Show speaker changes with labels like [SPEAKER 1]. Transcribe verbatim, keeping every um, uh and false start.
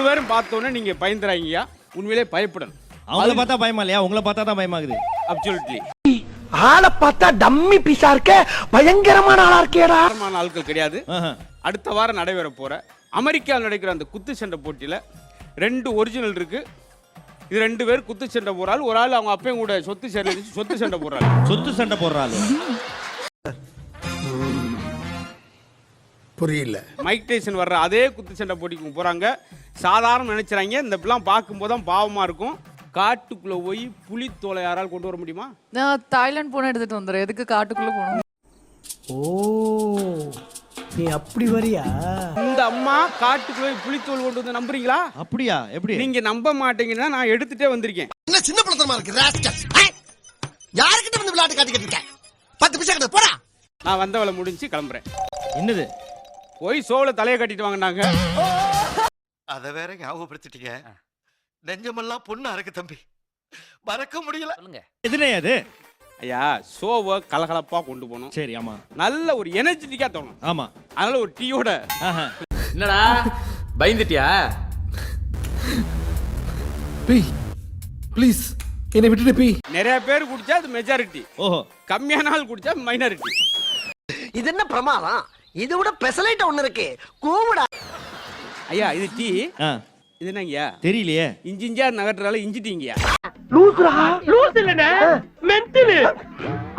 [SPEAKER 1] மூணு பேரும் பார்த்தோன்னே நீங்க பயந்துறாங்கய்யா. உண்மையிலே பயப்படணும்.
[SPEAKER 2] அவங்கள பார்த்தா பயமா இல்லையா? உங்களை பார்த்தா தான் பயமாகுது.
[SPEAKER 1] அப்சல்யூட்லி.
[SPEAKER 3] ஆளை பார்த்தா டம்மி பீஸா இருக்க, பயங்கரமான ஆளா இருக்கேடா.
[SPEAKER 1] பயங்கரமான ஆட்கள் கிடையாது. அடுத்த வாரம் நடைபெற போற அமெரிக்காவில் நடக்கிற அந்த குத்து சண்டை போட்டியில ரெண்டு ஒரிஜினல் இருக்கு. இது ரெண்டு பேர் குத்து சண்டை போறாள். ஒரு ஆள் அவங்க அப்பையும் கூட சொத்து சண்டை சொத்து சண்டை போறாள்.
[SPEAKER 2] சொத்து சண்டை போடுறாள்.
[SPEAKER 3] புரியல.
[SPEAKER 1] மைக் டைசன் வர்ற அதே குத்து சண்டை போட்டிக்கு போறாங்க. சாதாரண நினைச்சாங்க. இந்த இப்பெல்லாம் பார்க்கும்போது தான் பாவமா இருக்கும். காட்டுக்குள்ள போய் புலி தோலை யாரால் கொண்டு வர முடியுமா?
[SPEAKER 4] நான் தாய்லாந்து போன எடுத்துட்டு வந்துடுறேன். எதுக்கு காட்டுக்குள்ள போகணும்?
[SPEAKER 3] ஓ, நீ அப்படி வரியா?
[SPEAKER 1] இந்த அம்மா காட்டுக்குள்ள போய் புலித்தோல் கொண்டு வந்து நம்புறீங்களா?
[SPEAKER 2] அப்படியா? எப்படி?
[SPEAKER 1] நீங்க நம்ப மாட்டீங்கன்னா நான் எடுத்துட்டே வந்திருக்கேன்.
[SPEAKER 3] என்ன சின்ன பிள்ளைத்தனமா இருக்கு ராஸ்கல். யார்கிட்ட வந்து விளையாட்டு காட்டிக்கிட்டு இருக்க? பத்து பைசா கிட்ட போடா.
[SPEAKER 1] நான் வந்த வேலை முடிஞ்சு கிளம்புறேன்.
[SPEAKER 2] என்னது?
[SPEAKER 1] போய் சோள தலையை கட்டிட்டு வாங்கினாங்க.
[SPEAKER 5] அத வேற ஞாபகப்படுத்திட்டீங்க. நெஞ்சமெல்லாம் பொண்ணா இருக்கு தம்பி, மறக்க முடியல.
[SPEAKER 2] எதுனே அது?
[SPEAKER 1] ஐயா, ஷோவை கலகலப்பா கொண்டு போகணும்.
[SPEAKER 2] சரி, ஆமா.
[SPEAKER 1] நல்ல ஒரு எனர்ஜெட்டிக்கா தோணும்.
[SPEAKER 2] ஆமா.
[SPEAKER 1] அதனால ஒரு டீயோட.
[SPEAKER 6] என்னடா பயந்துட்டியா?
[SPEAKER 3] ப்ளீஸ் என்னை விட்டுட்டு பீ.
[SPEAKER 1] நிறைய பேர் குடிச்சா அது மெஜாரிட்டி.
[SPEAKER 2] ஓஹோ.
[SPEAKER 1] கம்மியான ஆள் குடிச்சா மைனாரிட்டி.
[SPEAKER 3] இது என்ன பிரமாதம்? இது விட பெசலைட் ஒண்ணு இருக்கு, கூவுடா.
[SPEAKER 1] ஐயா, இது டீ.
[SPEAKER 2] ஆ.
[SPEAKER 1] இது என்னங்கய்யா?
[SPEAKER 2] தெரியலையே.
[SPEAKER 1] இஞ்சி இஞ்சியா நகட்டுறால இஞ்சி டீங்கய்யா.
[SPEAKER 3] லூசுடா. லூஸ் இல்லனே, மென்டல்.